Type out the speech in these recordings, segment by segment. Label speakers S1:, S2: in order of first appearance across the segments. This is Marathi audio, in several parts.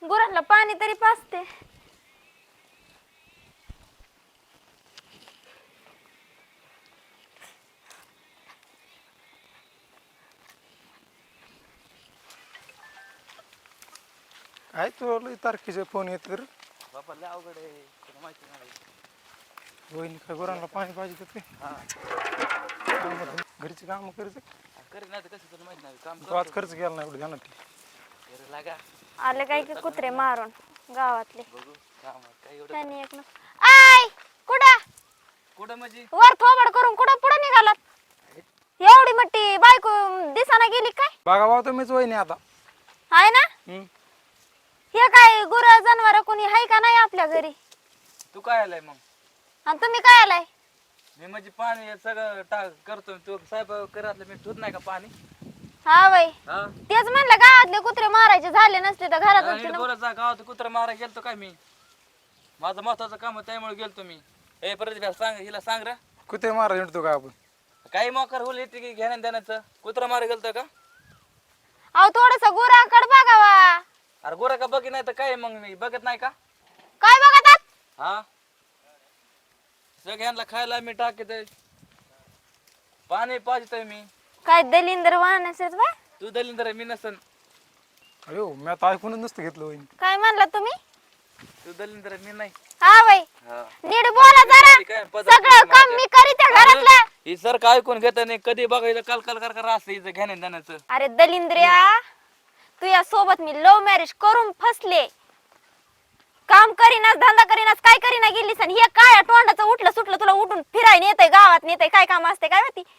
S1: गुरांना पाणी तरी पाजते.
S2: काय तुला तारखेचे फोन येत तर
S3: बाबा लय अवघड आहे, तुला माहिती नाही.
S2: वहिनी काय गुरांना पाणी पाहिजे ते घरची काम करायचं.
S3: करे नाही तर कसं तुला माहिती नाही काम
S2: गावात खर्च केला नाही एवढं ध्यानात ठेव.
S3: करे लागा
S1: आले काय की कुत्रे मारून गावातले.
S3: बघू काम काय एवढं
S1: त्यांनी एक आय कुठं
S3: कुठं म्हणजे
S1: वर थोबड करून कुठं पुढे निघालात? एवढी मोठी बायको दिसाना गेली काय?
S2: बघा भाऊ तुम्हीच वहिनी आता.
S1: आहे ना हे काय गुर जनावर कोणी आहे का नाही आपल्या घरी?
S3: तू काय आलाय मग?
S1: आणि तुम्ही काय आलाय?
S3: मी म्हणजे पाणी सगळं टाक करतो. तू साहेब करतलं मी ठेवत नाही का पाणी?
S1: हा बाई
S3: हा
S1: तेच म्हणलं गावातले कुत्रे मारायचे झाले नसते तर घरात
S3: बोलायचा गावात कुत्रा मारा गेलतो काय मी? माझं महत्वाचं काम होतं त्यामुळे गेलतो मी. ए प्रतिभा सांग, हिला सांग रे.
S2: कुठे मारा हिंडतो का आपण?
S3: काही मोकर होईल येते की घेण्या देण्याचं. कुत्रा मारा गेलतो का?
S1: अहो थोडस गुराकड बघावा.
S3: अरे गोरा का बघी नाही तर काय मग मी बघत नाही का?
S1: काय बघतात?
S3: हा सगळ्यांना खायला मी टाकत पाणी पाजतोय मी.
S1: काय दलिंदर वाहनासेच बा?
S3: तू दलिंदर मी नसन.
S2: अयो मी आता ऐकूनच नसतं घेतलं वहिनी.
S1: काय म्हणला तुम्ही?
S3: तू दलिंदर मी नाही.
S1: हा बाई
S3: हा.
S1: नीट बोला जरा. सगळं काम मी करीत घरातलं.
S3: ही सर काय ऐकून घेत नाही कधी बघायचं कल कर असं हिचं घेण्या देण्याचं.
S1: अरे दलिंद्रिया तुझ्या सोबत मी लव्ह मॅरेज करून फसले. काम करीनास धंदा करीनास काय करीना गेलीस आणि हे काय तोंडाचं उठलं सुटलं तुला उठून फिरायला नेतय गावात नेतय काय काम असते काय माहिती?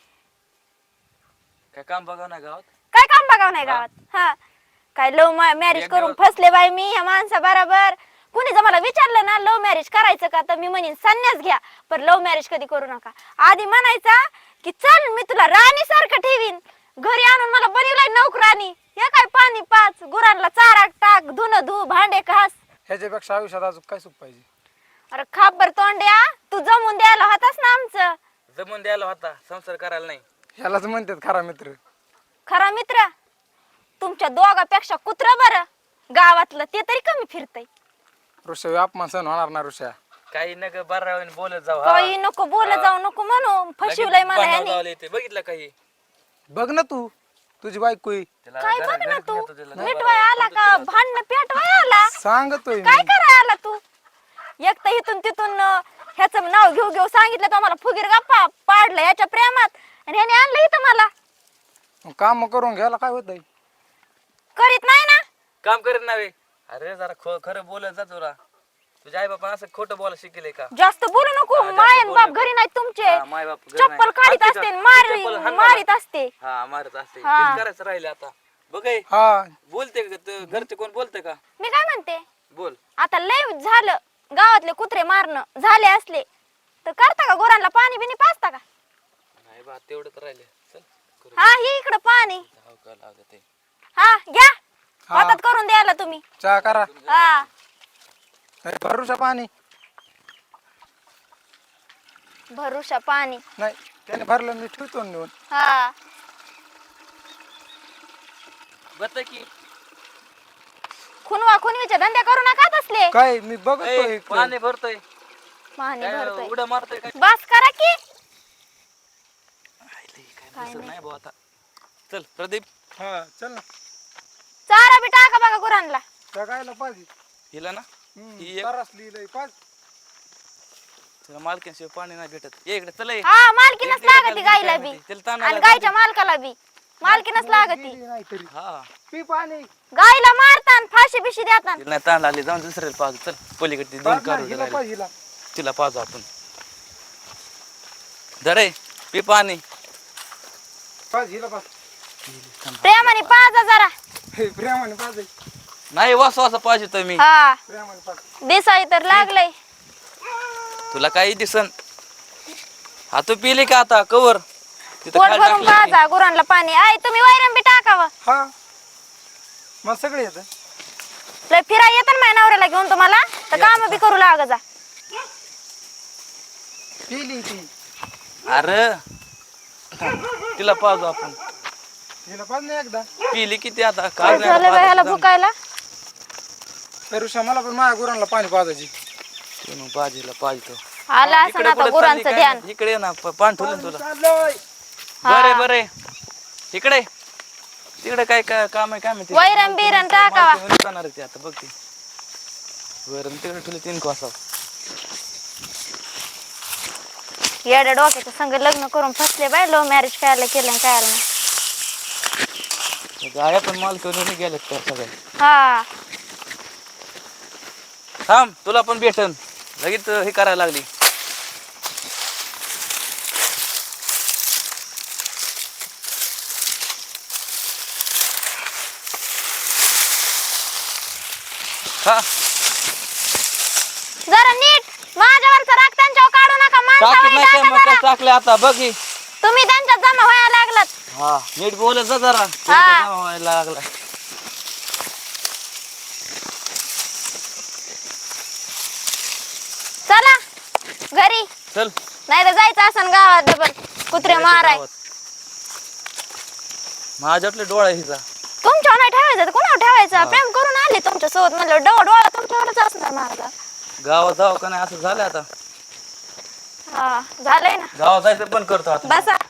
S3: काय काम बघा ना गावात?
S1: काय काम बघाव नाही गावात? हा काय लव्ह मॅरेज करून फसले बाई मी ह्या माणसा बरोबर. कुणी जर मला विचारलं ना लव्ह मॅरेज करायचं का तर मी म्हणेन संन्यास घ्या पण लव्ह मॅरेज कधी करू नका. आधी म्हणायचा की चल मी तुला राणी सारखं ठेवीन, घरी आणून मला बनवलाय नोकरानी. हे काय पाणी पाच, गुरांना चारा टाक, धुन धु, भांडे घास.
S2: ह्याच्यापेक्षा आयुष्यात अजून काय सुख पाहिजे?
S1: अरे खाबर तोंड्या तू जमून द्यायला होतास ना आमचं.
S3: जमून द्यायला होता संसार करायला नाही.
S2: ह्यालाच म्हणतात खरा मित्र.
S1: खरा मित्र तुमच्या दोघापेक्षा कुत्र बरं गावातलं ते तरी कमी फिरतय.
S2: ऋषा अपमान सहन होणार ना ऋषा.
S3: काही नका बरं बोलत जाऊ.
S1: काही नको बोलत जाऊ नको म्हणू फसवलंय मला ह्यानी.
S3: बघितलं काही?
S2: बघ ना तू तुझी बायको आहे.
S1: काय बघ ना तू मिटवाय आला का भांडण पेटवाय आला?
S2: सांगतोय
S1: काय कराय आला तू? एक तर इथून तिथून ह्याचं नाव घेऊ घेऊ सांगितलं तर मला फुगीर गप्पा पाडलं याच्या प्रेमात आणि ह्याने आणलं इथं मला.
S2: काम करून घ्यायला काय होत?
S1: करीत नाही ना
S3: काम करीत नाही. अरे जरा खरं बोलत जा तुला. तुझ्या आई बापा असं खोटं बोला शिकले का?
S1: जास्त बोलू नको. मायन बाप घरी नाही तुमचे.
S3: माय बाप
S1: चप्पल काढीत असते मारीत असते.
S3: हा मारत असते. तेच करायचं राहिले आता. बघ
S2: हा
S3: बोलते का घरचे कोण बोलते का?
S1: मी काय म्हणते
S3: बोल.
S1: आता लय झालं गावातले कुत्रे मारणं झाले असले तर करता का गुरांना पाणी बिनी पाजता का?
S3: नाही बा तेवढं तर राहिले. चल करू.
S1: हा हे इकडं पाणी.
S3: जाऊ का लागत आहे.
S1: हा घ्या हातात करून द्यायला तुम्ही.
S2: चहा करा.
S1: हा
S2: भरूशा पाणी
S1: भरुशा पाणी
S2: नाही त्याने भरलं मी ठेवतो ना नेऊन.
S1: हा
S3: बत की
S1: खुनवा खुनवीचे धंदे करू नका तसले.
S2: काय मी बघतोय
S3: पाणी भरतोय
S1: पाणी भरतोय
S3: उड्या मारतोय काय?
S1: बस करा की.
S3: काय नाही भाऊ आता. चल प्रदीप
S2: हा चल ना.
S1: चारा बी टाका बघा गुरांना.
S2: जगायला पाहिजे
S3: हिला ना ही एक
S2: तरस लिहिलंय पाच.
S3: तुला मालकीशिवाय पाणी नाही भेटत. ये इकडे चल ये.
S1: हा मालकीनच लागती गायला बी
S3: त्याला ताण
S1: आणि गायच्या मालकाला बी मालकीनच लागती.
S2: नाही तरी
S3: हा
S2: पी पाणी.
S1: गायला मारतान फाशी बिशी देतात.
S3: तिला नाही ताण आली जाऊन दुसऱ्याला पाहू. चल पलीकडे दोन
S2: हिला
S3: करू
S2: पाहिजे हिला.
S3: तिला पाहू आपण. धरे पी पाणी.
S2: पाहिजे हिला पाहिजे.
S1: प्रेमाने पाजा जरा.
S2: प्रेमाने पाहिजे.
S3: नाही वास वासा पाहिजे तर मी.
S1: हा
S2: प्रेमाने पाहिजे.
S1: दिसाई तर लागलंय.
S3: तुला काही दिसन. हा तू पिली का आता कवर तिथं
S1: पोट
S3: खाली
S1: भरून
S3: टाकली ती.
S1: पाजा गुरांना पाणी. आय तुम्ही वैरण बी टाकावं.
S2: हा मग सगळे येत.
S1: लय फिराय येतं ना माझ्या नवऱ्याला घेऊन तुम्हाला तर काम बी करू लाग जा.
S2: पिली ती.
S3: अरे तिला पाहू आपण.
S2: हिला पाहिजे एकदा.
S3: पिली किती आता
S1: काय झालं बाई ह्याला भुकायला?
S2: ऋषा मला पण माझ्या गुरांना पाणी पाजायची.
S3: ते मग बाजीला पाजतो.
S1: आला असं
S3: इकडे
S1: ना आता
S3: कुठं
S1: गुरांचं
S3: चालली काय
S1: ध्यान.
S3: माहिती? इकडे ये ना पान ठेवलं तुला.
S2: चाललोय.
S3: बरे बरे इकडे तिकडे काय काय काम आहे काय माहिती.
S1: वैरण बिरण टाकावा.
S3: जाणार आहे ते आता बघ ते वैरण तिकडे ठेवले 3 कोसा.
S1: येड्या डोक्याचं संग लग्न करून फसले बाय लव्ह मॅरेज करायला केलं आणि करायला नाही.
S3: गाया पण माल करून गेलेत त्या सगळ्या.
S1: हा
S3: थांब तुला पण भेटन लगेच हे करायला लागली. हा
S1: जरा नीट माझ्यावरचा राग त्यांच्यावर काढू नका.
S3: टाकत नाही काय
S1: माणसावर
S3: मग
S1: टाका
S3: काय
S1: जरा.
S3: टाकले आता बघ ही.
S1: तुम्ही त्यांच्यात जमा व्हायला लागलात.
S3: हा नीट बोलत जा जरा त्यांचा जमा व्हायला लागला.
S1: चला घरी
S3: चल
S1: नाही तर जायचं असं गावात डबल कुत्रे माराय.
S3: माझ्यातले डोळा हिचा.
S1: तुमच्यावर नाही ठेवायचं तर कोणावर ठेवायचं. प्रेम करून आले तुमच्या सोबत म्हणलं डोळा तुमच्यावरच असणार माझा.
S3: गावात जाऊ का नाही असं झालं आता.
S1: हा झालंय ना.
S3: गावात जायचं पण करतो आता.
S1: बसा